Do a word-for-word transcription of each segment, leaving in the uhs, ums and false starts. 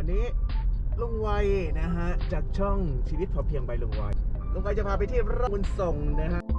นี้ลุงไวนะฮะจากช่องชีวิตพอเพียงใบลุงไวลุงไวจะพาไปที่ไร่บุญส่งนะฮะ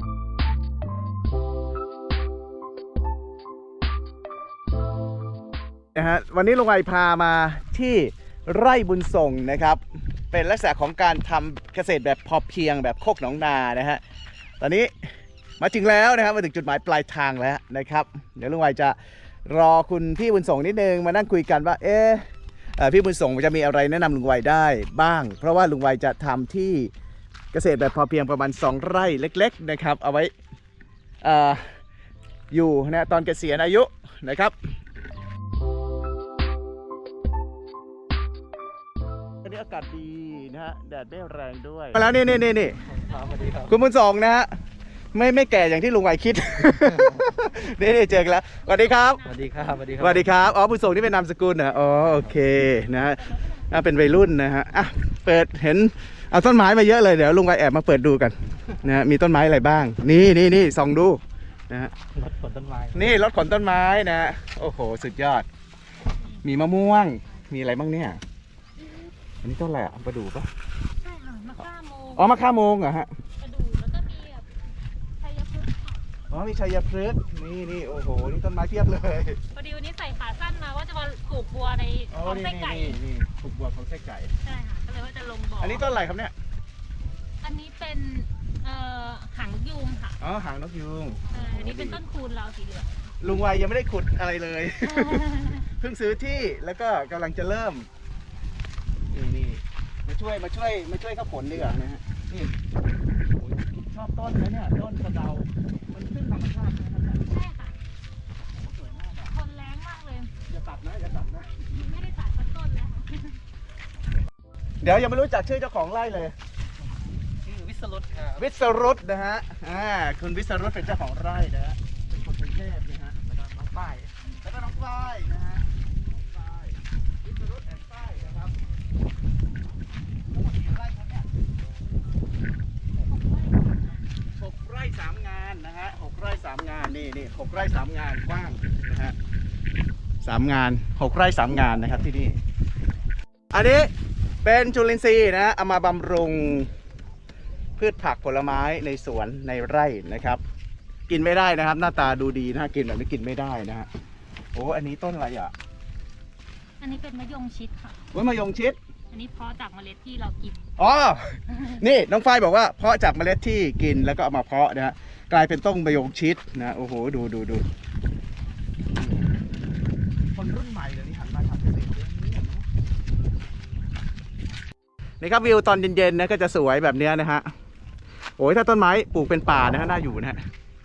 นะฮะวันนี้ลุงไวพามาที่ไร่บุญส่งนะครับเป็นลักษณะของการทำเกษตรแบบพอเพียงแบบโคกหนองนานะฮะตอนนี้มาถึงแล้วนะครับมาถึงจุดหมายปลายทางแล้วนะครับเดี๋ยวลุงไวจะรอคุณพี่บุญส่งนิดนึงมานั่งคุยกันว่าเอ๊ะพี่บุญส่งจะมีอะไรแนะนำลุงไวได้บ้างเพราะว่าลุงไวจะทำที่เกษตรแบบพอเพียงประมาณสองไร่เล็กๆนะครับเอาไว้ออยู่นะตอนเกษียณอายุนะครับวันนี้อากาศดีนะฮะแดดไม่แรงด้วยมาแล้วนี่นี่นี่นี่คุณบุญส่งนะฮะไม่ไม่แก่อย่างที่ลุงไวคิด นี่นี่เจอกันแล้วสวัสดีครับสวัสดีครับสวัสดีครับสวัสดีครับอ๋อบุญส่งนี่เป็นนามสกุลนะอ๋อโอเคนะฮะเป็นวัยรุ่นนะฮะอ่ะเปิดเห็นเอาต้นไม้มาเยอะเลยเดี๋ยวลุงไวแอบมาเปิดดูกันนะฮะมีต้นไม้อะไรบ้างนี่นี่นี่ส่องดูนะฮะรถขนต้นไม้นี่รถขนต้นไม้นะฮะโอ้โหสุดยอดมีมะม่วงมีอะไรบ้างเนี่ยอันนี้ต้นอะไรอ่ะประดู่ปะใช่ค่ะมะข่าโมงอ๋อมะข่าโมงเหรอฮะประดู่แล้วก็มีแบบชัยพฤกษ์อ๋อมีชัยพฤกษ์นี่นี่โอ้โหนี่ต้นไม้เพียบเลยพอดีวันนี้ใส่ขาสั้นมาว่าจะมาปลูกบัวในของไส้ไก่นี่ปลูกบัวของไส้ไก่ใช่ค่ะก็เลยว่าจะลงบ่ออันนี้ต้นอะไรครับเนี่ยอันนี้เป็นเอ่อหางยูงค่ะอ๋อหางนกยูงอันนี้เป็นต้นคูณเราสีเหลืองลุงไวยังไม่ได้ขุดอะไรเลย เพิ่งซื้อที่แล้วก็กำลังจะเริ่มนี่นี่มาช่วยมาช่วยมาช่วยเขาผลดีกว่านะฮะนี่ชอบต้นนะเนี่ยต้นกระเดามันขึ้นธรรมชาตินะครับใช่ค่ะสวยมากอ่ะทนแรงมากเลยอย่าตัดนะอย่าตัดนะไม่ได้ตัดสักต้นเลยค่ะเดี๋ยวยังไม่รู้จักชื่อเจ้าของไร่เลยชื่อวิศรุตครับวิศรุตนะฮะอ่าคุณวิศรุตเป็นเจ้าของไร่นะฮะเป็นคนกรุงเทพนะฮะแล้วก็น้องป้ายแล้วก็น้องฝ้ายนะฮะน้องฝ้ายวิศรุตแอนด์ฝ้ายนะครับทั้งหมดกี่ไร่ครับเนี่ยหกไร่สามงานนะฮะหกไร่สามงานนี่นี่หกไร่สามงานกว้างนะฮะสามงานหกไร่สามงานนะครับที่นี่อันนี้เป็นจุลินทรีย์นะฮะเอามาบำรุงพืชผักผลไม้ในสวนในไร่นะครับกินไม่ได้นะครับหน้าตาดูดีนะกินแบบนี้กินไม่ได้นะฮะโอ้อันนี้ต้นอะไรอ่ะอันนี้เป็นมะยงชิดค่ะว่ามะยงชิดอันนี้เพาะจากเมล็ดที่เรากินอ๋อนี่น้องฝ้ายบอกว่าเพาะจากเมล็ดที่กินแล้วก็เอามาเพาะนะฮะกลายเป็นต้นมะยงชิดนะโอ้โหดูดูดูคนรุ่นใหม่เดี๋ยวนี้หันมาทำเกษตรเยอะนี่ครับวิวตอนเย็นๆนะก็จะสวยแบบนี้นะฮะโอ้ยถ้าต้นไม้ปลูกเป็นป่านะฮะน่าอยู่นะฮะ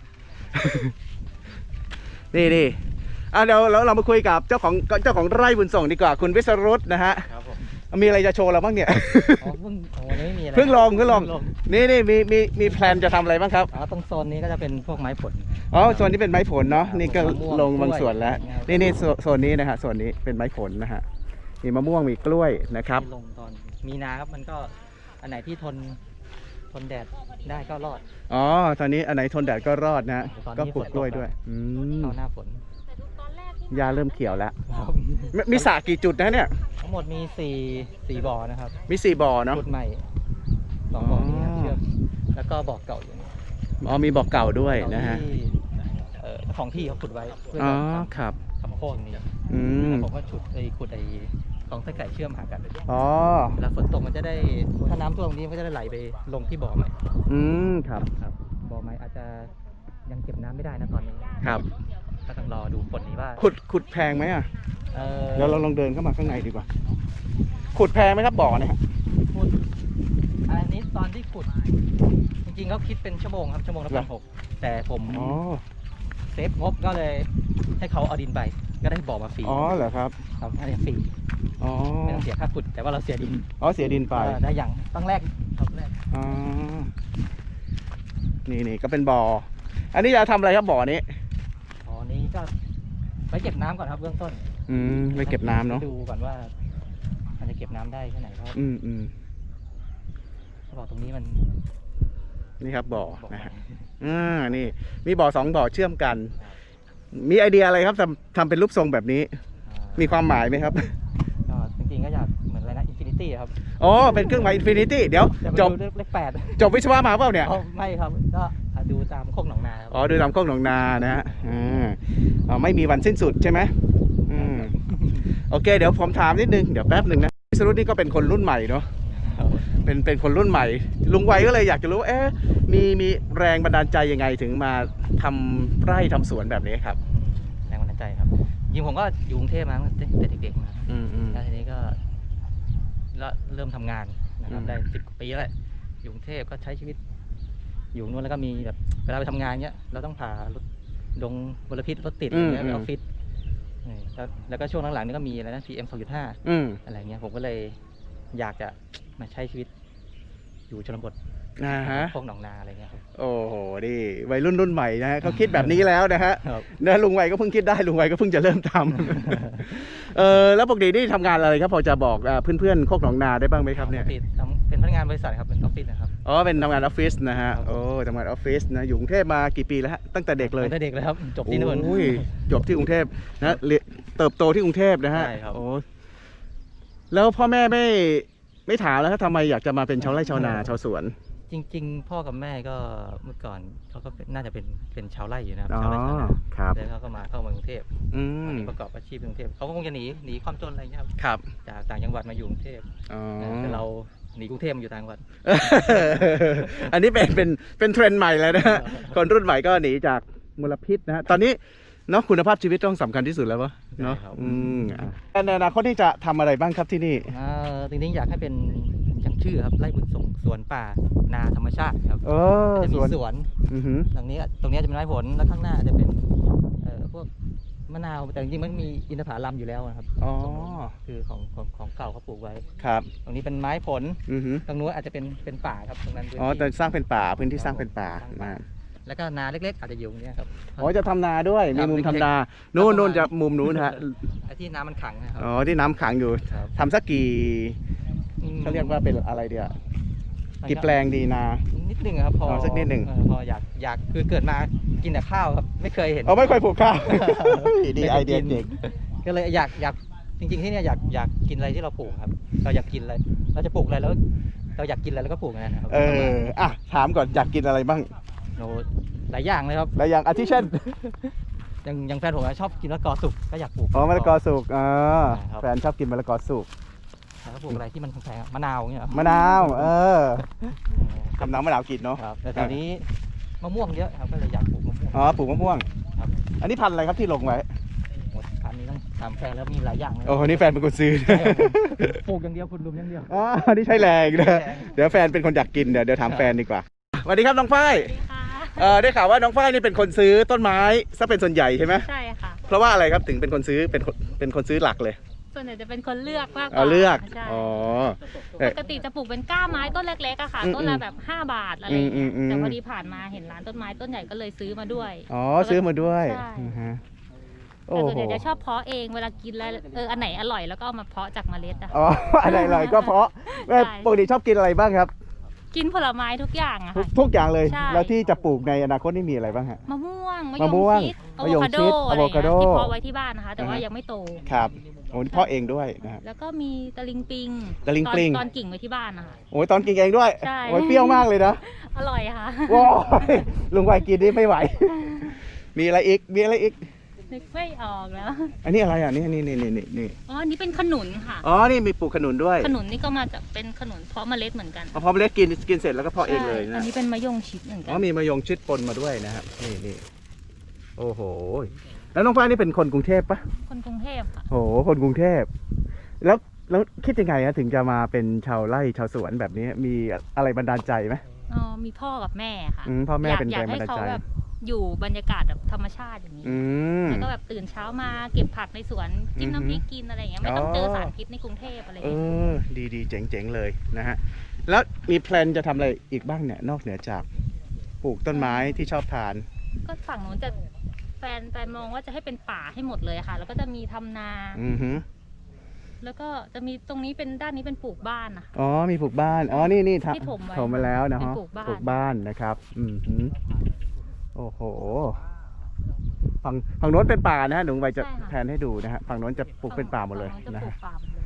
นี่นี่อ่ะเดี๋ยวเราเรามาคุยกับเจ้าของเจ้าของไร่บุญส่งดีกว่าคุณวิศรุตนะฮะครับผมมีอะไรจะโชว์เราบ้างเนี่ยอ๋อเพิ่งวันนี้มีอะไรเพิ่งลองเพิ่งลองนี่นี่มีมีมีแพลนจะทำอะไรบ้างครับอ๋อตรงโซนนี้ก็จะเป็นพวกไม้ผลอ๋อโซนนี้เป็นไม้ผลเนาะนี่ก็ลงบางส่วนแล้วนี่นี่โซนนี้นะฮะโซนนี้เป็นไม้ผลนะฮะมีมะม่วงมีกล้วยนะครับลงตอนมีนาครับมันก็อันไหนที่ทนทนแดดได้ก็รอดอ๋อตอนนี้อันไหนทนแดดก็รอดนะก็ปลูกกล้วยด้วยอืมเข้าหน้าฝนยาเริ่มเขียวแล้วมีสระกี่จุดนะเนี่ยทั้งหมดมีสี่สี่บ่อนะครับมีสี่บ่อเนาะจุดใหม่สองบ่อนี้เชื่อมแล้วก็บ่อเก่าอยู่นี่อ๋อมีบ่อเก่าด้วยนะฮะเอ่อของที่เขาขุดไว้เพื่อครับทำโค้งนี้อืมผมก็ฉุดไอ้ขุดไอ้ของไส้ไก่เชื่อมหากันอ๋อแล้วฝนตกมันจะได้ถ้าน้ำท่วมตรงนี้มันก็จะได้ไหลไปลงที่บ่อใหม่อืมครับครับบ่อใหม่อาจจะยังเก็บน้ำไม่ได้นะตอนนี้ครับก็ต้องรอดูฝนนี้ว่าขุดขุดแพงไหมอ่ะเดี๋ยวเราลองเดินเข้ามาข้างในดีกว่าขุดแพงไหมครับบ่อเนี่ยขุดอันนี้ตอนที่ขุดจริงๆเขาคิดเป็นชั่วโมงครับชั่วโมงละพันหกแต่ผมเซฟงบก็เลยให้เขาเอาดินไปก็ได้บ่อมาฟรีอ๋อเหรอครับครับอันนี้ฟรีอ๋อไม่ต้องเสียค่าขุดแต่ว่าเราเสียดินอ๋อเสียดินไปได้อย่างต้องแรกต้องแรกอ๋อนี่นี่ก็เป็นบ่ออันนี้จะทำอะไรครับบ่อนี้บ่อนี้ก็ไว้เก็บน้ำก่อนครับเบื้องต้นอืมไว้เก็บน้ำเนาะดูก่อนว่ามันจะเก็บน้ำได้แค่ไหนครับอืมอืมบ่อตรงนี้มันนี่ครับบ่อนะฮะอ่านี่มีบ่อสองบ่อเชื่อมกันมีไอเดียอะไรครับทำทำเป็นรูปทรงแบบนี้มีความหมายไหมครับก็จริงๆก็อยากตี้ครับอ๋อเป็นเครื่องหมายอินฟินิตี้เดี๋ยวแต่จจบบเลขแปดจบวิศวะมาเปล่าเนี่ยอ๋อไม่ครับก็ดูตามโคกหนองนาครับอ๋อดูตามโคกหนองนานะฮะอ่าอ๋อไม่มีวันสิ้นสุดใช่ไหมอืมโอเคเดี๋ยวผมถามนิดนึงเดี๋ยวแป๊บหนึ่งนะวิศรุตนี่ก็เป็นคนรุ่นใหม่เนาะครับเป็นเป็นคนรุ่นใหม่ ลุงไวก็เลยอยากจะรู้เอ๊ะมีมีแรงบันดาลใจยังไงถึงมาทำไร่ทำสวนแบบนี้ครับแรงบันดาลใจครับจริงผมก็อยู่กรุงเทพมาตั้งแต่เด็กๆมาอืมอืมแล้วทีนี้ก็แล้วเริ่มทำงานนะครับอืมได้สิบกว่าปีแล้วแหละอยู่กรุงเทพก็ใช้ชีวิต อยู่นู่นแล้วก็มีแบบเวลาไปทำงานเนี้ยเราต้องผ่ารถดงมลพิษรถติดอะไรเงี้ยไปออฟฟิศนี่แล้วแล้วก็ช่วงหลังๆนี่ก็มีอะไรนะ พี เอ็ม สองจุดห้าอืมอะไรเงี้ยผมก็เลยอยากจะมาใช้ชีวิตอยู่ชนบทนะฮะพวกหนองนาอะไรเงี้ยครับโอ้โหดิวัยรุ่นรุ่นใหม่นะฮะเขาคิดแบบนี้แล้วนะฮะครับนะลุงไวก็เพิ่งคิดได้ลุงไวก็เพิ่งจะเริ่มทำ เออแล้วปกตินี่ทำงานอะไรครับพอจะบอกเอ่อเพื่อนๆโคกหนองนาได้บ้างไหมครับเนี่ยออฟฟิศทำเป็นพนักงานบริษัทครับเป็นออฟฟิศนะครับอ๋อเป็นทำงานออฟฟิศนะฮะครับโอ้ทำงานออฟฟิศนะอยู่กรุงเทพมากี่ปีแล้วฮะตั้งแต่เด็กเลยตั้งแต่เด็กเลยครับจบที่นู่นโอ้ยจบที่กรุงเทพนะเรียนเติบโตที่กรุงเทพนะฮะใช่ครับโอ้แล้วพ่อแม่ไม่ไม่ถามแล้วครับทำไมอยากจะมาเป็นชาวไร่ชาวนาชาวสวนจริง ๆ พ่อกับแม่ก็เมื่อก่อนเขาก็เป็นน่าจะเป็นเป็นชาวไร่อยู่นะครับอ๋อชาวไร่ชาวนาครับแล้วเขาก็มาเข้ามากรุงเทพอืตอนมนี้ประกอบอาชีพในกรุงเทพเขาก็คงจะหนีหนีความจนอะไรเงี้ยครับครับจากต่างจังหวัดมาอยู่กรุงเทพอ๋อแต่เราหนีกรุงเทพมาอยู่ต่างจังหวัดอันนี้เป็นเป็นเป็นเทรนด์ใหม่เลยนะฮะคนรุ่นใหม่ก็หนีจากมลพิษนะฮะตอนนี้เนาะคุณภาพชีวิตต้องสำคัญที่สุดแล้ววะเนาะใช่ครับอืมอ่ะในอนาคตที่จะทำอะไรบ้างครับที่นี่อ่าจริงๆอยากให้เป็นอย่างชื่อครับไร่บุญส่งสวนป่านาธรรมชาติครับเออจะสมีวนสวนอือหือตรงนี้ตรงนี้จะเป็นไม้ผลแล้วข้างหน้าจะเป็นเอ่อพวกมะนาวแต่จริงๆมันมีอินทผลัมอยู่แล้วนะครับอ๋อคือของของของเก่าเขาปลูกไว้ครับตรงนี้เป็นไม้ผลอือหือตรงนู้นอาจจะเป็นเป็นป่าครับตรงนั้นพื้นอ๋อที่แต่สร้างเป็นป่าพื้นที่สร้างเป็นป่าสร้งป่นะแล้วก็นาเล็กๆ อาจจะอยู่ตรงเนี้ยครับอ๋อจะทำนาด้วยครัมีบมุมเล็กๆทำนานู่นประมาณนู่นจะมุมนู้นฮะไอ้ที่น้ำมันขังนะครับอ๋อที่น้ำขังอยู่ครับทำสักกี่อืมเขาเรียกว่าเป็นอะไรเดียวกี่แปลงดีนานิดหนึงครับพออ๋อสักนิดหนึ่งเออพออยากอยากคือเกิดมากินแต่ข้าวครับไม่เคยเห็นเอาไม่ค่อยปลูกข้าว ดีไม่ไอคเดียกินเด็กก็เลยอยากอยากจริงๆที่เนี่ยอยากอยากกินอะไรที่เราปลูกครับ เราอยากกินอะไรเราจะปลูกอะไรแล้ว เราอยากกินอะไรแล้วก็ปลูกอย่างนั้นนะครับเอออ่ะถามก่อนอยากกินอะไรบ้างโน้หลายอย่างเลยครับแล้วอย่างอาทิเช่นอย่างอย่างแฟนผมอะชอบกินมะละกอสุกก็อยากปลูกอ๋อมะละกอสุกอ่าครับแฟนชอบกินมะละกอสุกแล้วก็ปลูกอะไรที่มันแพงๆอะมะนาวอย่างเงี้ยเหรอมะนาวเออทำน้ำมะนาวกินเนาะครับแต่แถวนี้มะม่วงเยอะครับก็เลยอยากปลูกมะม่วงอ๋อปลูกมะม่วงครับอันนี้พันธุ์อะไรครับที่ลงไว้หมดพันนี้ต้องถามแฟนแล้วมีหลายอย่างเลยโอ้โหนี่แฟนเป็นคนซื้อใช่ครับผมปลูกอย่างเดียวคุณลุมอย่างเดียวอ๋อนี่ใช่แรงนะใช่แรงเดี๋ยวแฟนเป็นคนอยากกินเดี๋ยวเดี๋ยวถามแฟนดีกว่าสวัสดีครับน้องฝ้ายสวัสดีค่ะเออได้ข่าวว่าน้องฝ้ายนี่เป็นคนซื้อต้นไม้ซะเป็นส่วนใหญ่ใช่ไหมใช่ค่ะเพราะว่าอะไรครับถึงเป็นคนซื้อเป็นคนเป็นคนซื้อหลักเลยส่วนใหญ่จะเป็นคนเลือกมากกว่าเอาเลือกใช่อ๋อปกติจะปลูกเป็นก้าไม้ต้นเล็กๆอะค่ะอืมต้นละแบบห้าบาทอะไรอย่างอืเงี้มยอืมแต่พอดีผ่านมาเห็นร้านต้นไม้ต้นใหญ่ก็เลยซื้อมาด้วยอ๋อซื้อมาด้วยใช่อือฮะแต่โอ้ส่วนโหใหญ่จะชอบเพาะเองเวลากินแล้วเอออันไหนอร่อยแล้วก็เอามาเพาะจากเมล็ดอะอ๋ออะไรเลยก็เพราะแม่ใช่ปกติชอบกินอะไรบ้างครับกินผลไม้ทุกอย่างอะทุกค่ะทุกอย่างเลยใช่แล้วที่จะปลูกในอนาคตนี่มีอะไรบ้างฮะมะม่วงมะม่วงชิดอะมะโวยงคาโดชิดอะไรอย่างเงี้ยอะโวคาโดที่เพาะไว้ที่บ้านนะคะ แต่ว่าอ่าฮะยังไม่โตครับโอ้นี่เพาะเองด้วยนะครับแล้วก็มีตะลิงปิงตะลิงตอนปิงตอนกิ่งไว้ที่บ้านนะคะโอ้ยตอนกินเองด้วยใช่โอ้ยเปรี้ยวมากเลยนะอร่อยค่ะว้ายลุงไวกินนี่ไม่ไหว มีอะไรอีกมีอะไรอีกนึกไม่ออกแล้วอันนี้อะไรอ่ะนี่นี่นี่นี่นี่นี่อ๋ออันนี้เป็นขนุนค่ะอ๋อนี่มีปลูกขนุนด้วยขนุนนี่ก็มาจากเป็นขนุนเพาะเมล็ดเหมือนกันเอาพอเมล็ดกินกินเสร็จแล้วก็เพาะเองเลยใช่นะอันนี้เป็นมะยงชิดเหมือนกัอ๋อมีมะยงชิดปนมาด้วยนะครับนี่นี่โอ้โหแล้วน้องฝ้ายนี่เป็นคนกรุงเทพปะคนกรุงเทพค่ะโอ้โหคนกรุงเทพแล้วแล้วคิดยังไงฮะถึงจะมาเป็นชาวไร่ชาวสวนแบบนี้มีอะไรบันดาลใจไหมอ๋อมีพ่อกับแม่ค่ะอืมพ่อแม่ยากเป็นอยาแรกงบัให้นดาลเขาใจแบบอยู่บรรยากาศแบบธรรมชาติอย่างนี้อืมแล้วก็แบบตื่นเช้ามาเก็บผักในสวนจิ้มอือหือน้ำพริกกินอะไรอย่างเงี้ยไม่ต้องอ๋อเจอสารพิษในกรุงเทพอะไรอย่างเอเงี้ยอดีดีเจ๋งเจ๋งเลยนะฮะแล้วมีแพลนจะทำอะไรอีกบ้างเนี่ยนอกเหนือจากปลูกต้นไม้ที่ชอบทานก็ฝั่งนู้นจะแฟนแฟนมองว่าจะให้เป็นป่าให้หมดเลยค่ะ แล้วก็จะมีทำนาอือฮึแล้วก็จะมีตรงนี้เป็นด้านนี้เป็นปลูกบ้านนะคะอ๋อมีปลูกบ้านอ๋อนี่นี่ที่ถมไว้ถมมาแล้วนะฮะเป็นปลูกบ้านปลูกบ้านนะครับ อือฮึโอ้โหฝั่งฝั่งโน้นเป็นป่านะฮะหนูไวจะใช่ค่ะแผนให้ดูนะฮะฝั่งโน้นจะปลูกเป็นป่าหมดเลยฝั่งนะโจะปลูฮะกป่าหมดเลย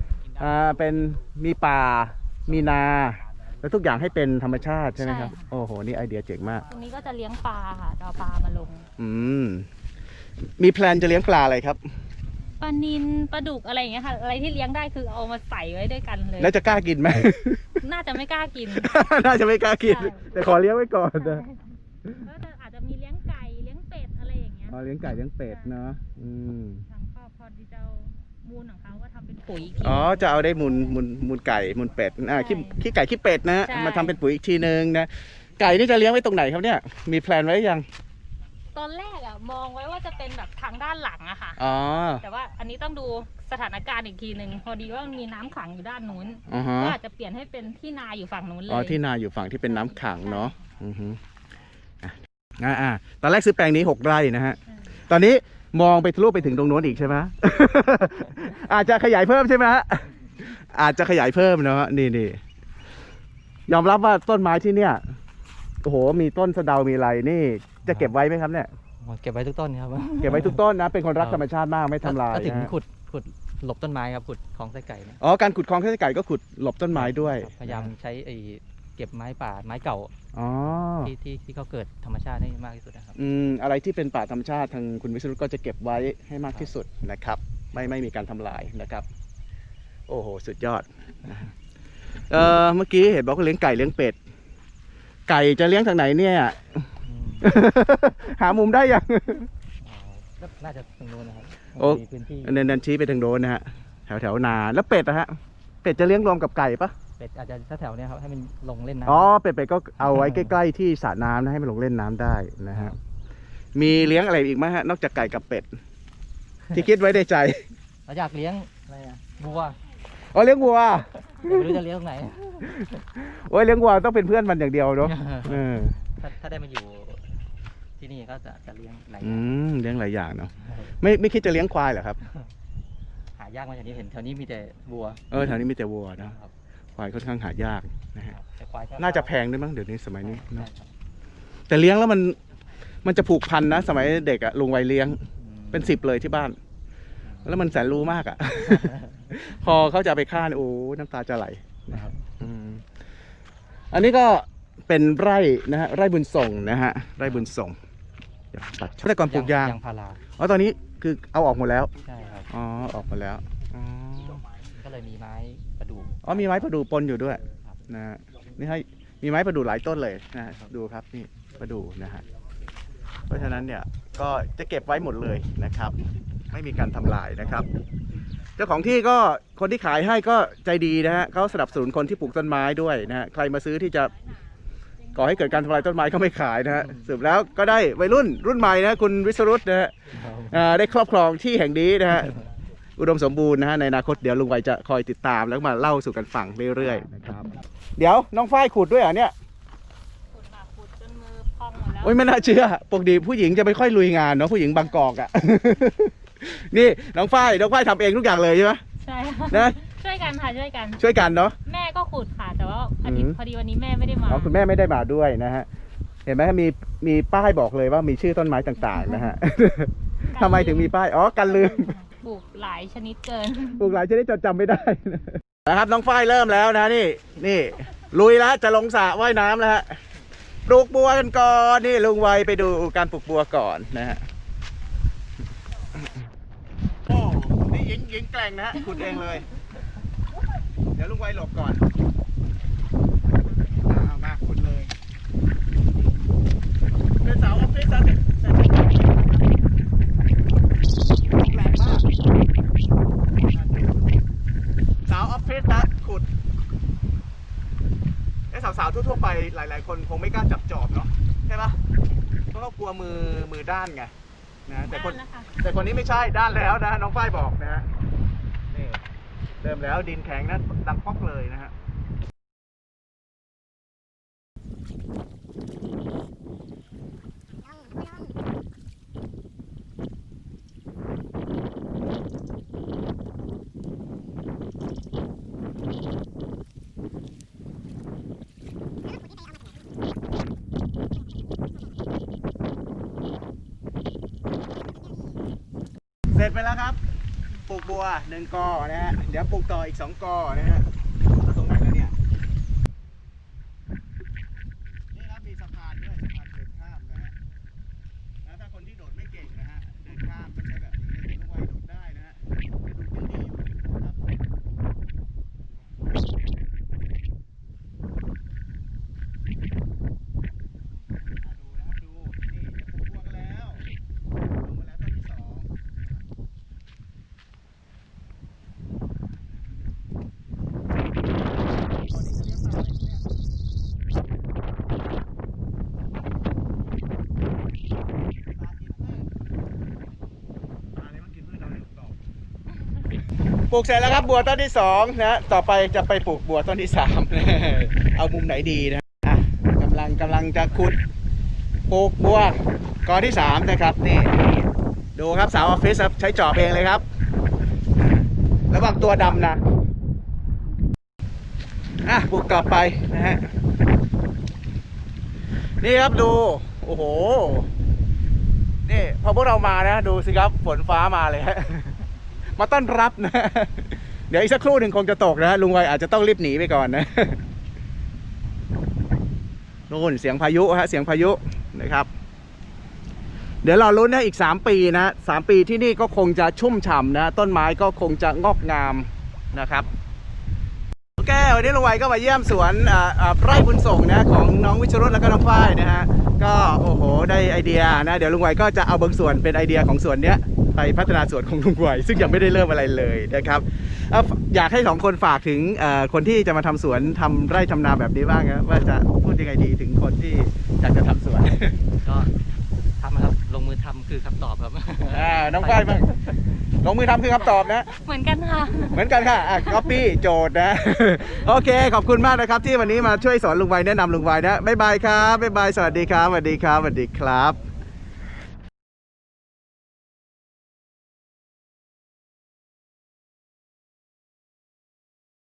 อ่าเป็นมีป่ามีนาแล้วทุกอย่างให้เป็นธรรมชาติใช่ไหมครับใช่ค่ะโอ้โหนี่ไอเดียเจ๋งมากตรงนี้ก็จะเลี้ยงปลาค่ะจะเอาปลามาลงอืมมีแพลนจะเลี้ยงปลาอะไรครับปลานิลปลาดุกอะไรอย่างเงี้ยค่ะ อะไรที่เลี้ยงได้คือเอามาใส่ไว้ด้วยกันเลยแล้วจะกล้ากินไหมน่าจะไม่กล้ากินน่าจะไม่กล้ากินใช่แต่ขอเลี้ยงไว้ก่อนนะก็จะอาจจะมีเลี้ยงไก่เลี้ยงเป็ดอะไรอย่างเงี้ยอ๋อเลี้ยงไก่เลี้ยงเป็ดเนาะอืมทางครอบครัวที่เจ้ามูลของเขาก็ทำเป็นปุ๋ยอีกทีอ๋อจะเอาได้มูลมูลมูลไก่มูลเป็ดอ่าขี้ขี้ไก่ขี้เป็ดนะฮะใช่มาทำเป็นปุ๋ยอีกทีนึงนะไก่นี่จะเลี้ยงไว้ตรงไหนครับเนี่ยมีแพลนไว้ยังตอนแรกอะมองไว้ว่าจะเป็นแบบทางด้านหลังอะค่ะอ๋อแต่ว่าอันนี้ต้องดูสถานการณ์อีกทีหนึ่งพอดีว่ามันมีน้ำขังอยู่ด้านนู้นอ๋อฮะก็อาจจะเปลี่ยนให้เป็นที่นาอยู่ฝั่งนู้นเลยอ๋อที่นาอยู่ฝั่งที่เป็นน้ำขังเนาะอือฮึอ่ะอ่าอ่าตอนแรกซื้อแปลงนี้หกไร่นะฮะ ตอนนี้มองไปทะลุไปถึงตรงโน้นอีกใช่ไหม อาจจะขยายเพิ่มใช่ไหมฮะ อาจจะขยายเพิ่มเนาะนี่นี่ยอมรับว่าต้นไม้ที่เนี่ยโอ้โหมีต้นสะเดามีอะไรนี่ จะเก็บไว้ไหมครับเนี่ยเก็บไว้ทุกต้นครับเก็บไว้ทุกต้นนะ เป็นคนรักธรรมชาติมากไม่ทำลายก็ถึงนะฮะขุดขุดหลบต้นไม้ครับขุดคลองไส้ไก่เนี่ยอ๋อการขุดคลองไส้ไก่ก็ขุดหลบต้นไม้ด้วยครับพยายามใช้ไอ้เก็บไม้ป่าไม้เก่าอ๋อที่ที่ที่เขาเกิดธรรมชาติให้มากที่สุดนะครับอืมอะไรที่เป็นป่าธรรมชาติทางคุณวิศรุตก็จะเก็บไว้ให้มากที่สุดนะครับ ไม่ไม่มีการทำลายนะครับ โอ้โหสุดยอดเออเมื่อกี้เห็นบอกว่าเลี้ยงไก่เลี้ยงเป็ด ไก่จะเลี้ยงทางไหนเนี่ยอืมหามุมได้ยังอ๋อก็น่าจะตรงนู้นนะครับโอ้มีพื้นที่เน้นๆชี้ไปทางโน้นนะฮะแถวแถวนาแล้วเป็ดนะฮะเป็ดจะเลี้ยงรวมกับไก่ปะเป็ดอาจจะแถวๆเนี้ยครับให้มันลงเล่นน้ำอ๋อเป็ดเป็ดก็เอาไว้ใกล้ๆที่สระน้ำนะให้มันลงเล่นน้ำได้นะฮะมีเลี้ยงอะไรอีกไหมฮะนอกจากไก่กับเป็ด ที่คิดไว้ในใจเราอยากเลี้ยงอะไรอะวัวอ๋อเลี้ยงวัวแต่ไม่รู้จะเลี้ยงตรงไหนโอ้ยเลี้ยงวัวต้องเป็นเพื่อนมันอย่างเดียวเนาะเออถ้าถ้าได้มาอยู่ที่นี่ก็จะจะเลี้ยงหลายออืย่างมเลี้ยงหลายอย่างเนาะไม่ไม่คิดจะเลี้ยงควายเหรอครับหายากมาจากนี้เห็นแถวนี้มีแต่วัวเออแถวนี้มีแต่วัวนะครับ ควายค่อนข้างหายากนะฮะแต่ควายก็น่าจะแพงด้วยมั้งเดี๋ยวนี้สมัยนี้ใช่เนาะครับแต่เลี้ยงแล้วมันมันจะผูกพันนะสมัยเด็กอะลุงวัยเลี้ยงอืมเป็นสิบเลยที่บ้าน แล้วมันแสนรู้มากอะ พอเขาจะเอาไปฆ่าเนี่ยโอ้น้ำตาจะไหลนะครับอืมอันนี้ก็เป็นไร่นะฮะไร่บุญส่งนะฮะไร่บุญส่งเดี๋ยวตัดช่วงแต่ก่อนปลูกยางยางพาราอ๋อตอนนี้คือเอาออกหมดแล้วใช่ครับอ๋อออกหมดแล้วอ๋อก็เลยมีไม้ประดู่อ๋อมีไม้ประดู่ปนอยู่ด้วยครับนะฮะนี่ให้มีไม้ประดู่หลายต้นเลยนะฮะดูครับนี่ประดู่นะฮะเพราะฉะนั้นเนี่ยก็จะเก็บไว้หมดเลยนะครับ ไม่มีการทำลายนะครับ เจ้าของที่ก็คนที่ขายให้ก็ใจดีนะฮะเขาสนับสนุนคนที่ปลูกต้นไม้ด้วยนะฮะใครมาซื้อที่จะก่อให้เกิดการทำลายต้นไม้ก็ไม่ขายนะฮะสรุปแล้วก็ได้วัยรุ่นรุ่นใหม่นะคุณวิศรุตนะฮะอ่าได้ครอบครองที่แห่งนี้นะฮะอุดมสมบูรณ์นะฮะในอนาคตเดี๋ยวลุงไวจะคอยติดตามแล้วมาเล่าสู่กันฟังเรื่อยๆนะครับเดี๋ยวน้องฝ้ายขุดด้วยเหรอเนี่ยขุดมาขุดจนมือพองหมดแล้วโอ้ยไม่น่าเชื่อปกติผู้หญิงจะไม่ค่อยลุยงานเนาะผู้หญิงบางกอกอะ นี่น้องฝ้ายน้องฝ้ายทำเองทุกอย่างเลยใช่ไหมใช่ค่ะนะช่วยกันค่ะช่วยกันช่วยกันเนาะแม่ก็ขุดค่ะ แต่ว่าอาทิตอืย์มพอดีวันนี้แม่ไม่ได้มาอ๋อคุณแม่ไม่ได้มาด้วยนะฮะเห็นไหมมีมีป้ายบอกเลยว่ามีชื่อต้นไม้ต่างๆนะฮะ ทำไมถึงมีป้ายอ๋อกันลืมปลูกหลายชนิดเกินปลูกหลายชนิดจนจำไม่ได้ นะครับน้องฝ้ายเริ่มแล้วนะนี่นี่ลุยแล้วจะลงสระว่ายน้ำแล้วฮะปลูกบัวกันก่อนนี่ลุงไวไปดูการปลูกบัวก่อนนะฮะโอ้นี่หญิงหญิงแกร่งนะฮะขุดเองเลย เดี๋ยวลุงไวหลบก่อนเอามาขุดเลยเป็นเสาออฟฟิศซะเสร็จเสร็จแรงมากสาวออฟฟิศนะขุดไอ้สาวๆทั่วๆไปหลายๆคนคงไม่กล้าจับจอบเนาะใช่ปะเพราะเขากลัวมือมือด้านไงนะแต่คนด้านแล้วค่ะแต่คนนี้ไม่ใช่ด้านแล้วนะน้องฝ้ายบอกนะฮะนี่เริ่มแล้วดินแข็งนะดังป๊อกเลยนะฮะเสร็จไปแล้วครับปลูกบัวหนึ่งกอนะฮะเดี๋ยวปลูกต่ออีกสองกอนะฮะตรงไหนแล้วเนี่ยนี่ครับมีสะพานด้วยสะพานเดินข้ามนะฮะแล้วถ้าคนที่โดดไม่เก่งนะฮะเดินข้ามต้องใช้แบบนี้ลุงไวโดดได้นะฮะดูยังดีอยู่นะครับมาดูนะครับดูนี่จะปลูกบัวกันแล้วลงมาแล้วต้นที่สอง ตอนนี้จะเลี้ยงปลาอะไรเนี่ยปลากินพืชปลาอะไรมันกินพืชเราเลยตอบปลูกเสร็จแล้วครับบัวต้นที่สองนะต่อไปจะไปปลูกบัวต้นที่สามเอามุมไหนดีนะอ่ะกำลังกำลังจะขุดปลูกบัวกอที่สามนะครับนี่ดูครับสาวออฟฟิศครับใช้จอบเองเลยครับระวังตัวดำนะอ่ะปลูกต่อไปนะฮะนี่ครับดูโอ้โหนี่พอพวกเรามานะดูสิครับฝนฟ้ามาเลยฮะมาต้อนรับนะเดี๋ยวอีกสักครู่หนึ่งคงจะตกนะลุงไวอาจจะต้องรีบหนีไปก่อนนะนู่นเสียงพายุฮะเสียงพายุนะครับเดี๋ยวเราลุ้นนะอีกสามปีนะสามปีที่นี่ก็คงจะชุ่มฉ่ำนะต้นไม้ก็คงจะงอกงามนะครับโอเควันนี้ลุงไวก็มาเยี่ยมสวนไร่บุญส่งนะของน้องวิชรุตและก็น้องฝ้ายนะฮะก็โอ้โหได้ไอเดียนะเดี๋ยวลุงไวก็จะเอาบางส่วนเป็นไอเดียของสวนเนี้ยไปพัฒนาสวนของลุงไวซึ่งยังไม่ได้เริ่มอะไรเลยนะครับอยากให้สองคนฝากถึงคนที่จะมาทำสวนทำไร่ทำนาแบบนี้บ้างนะว่าจะพูดยังไงดีถึงคนที่อยากจะทำสวนก็ทำนะครับลงมือทำคือคำตอบครับอ่าน้องฝ้ายบ้างลงมือทำคือคำตอบนะเหมือนกันค่ะเหมือนกันค่ะอ่ะก๊อปปี้โจทย์นะ โอเคขอบคุณมากนะครับที่วันนี้มาช่วยสอนลุงไวแนะนำลุงไวนะบ๊ายบายครับบ๊ายบายสวัสดีครับสวัสดีครับสวัสดีครับ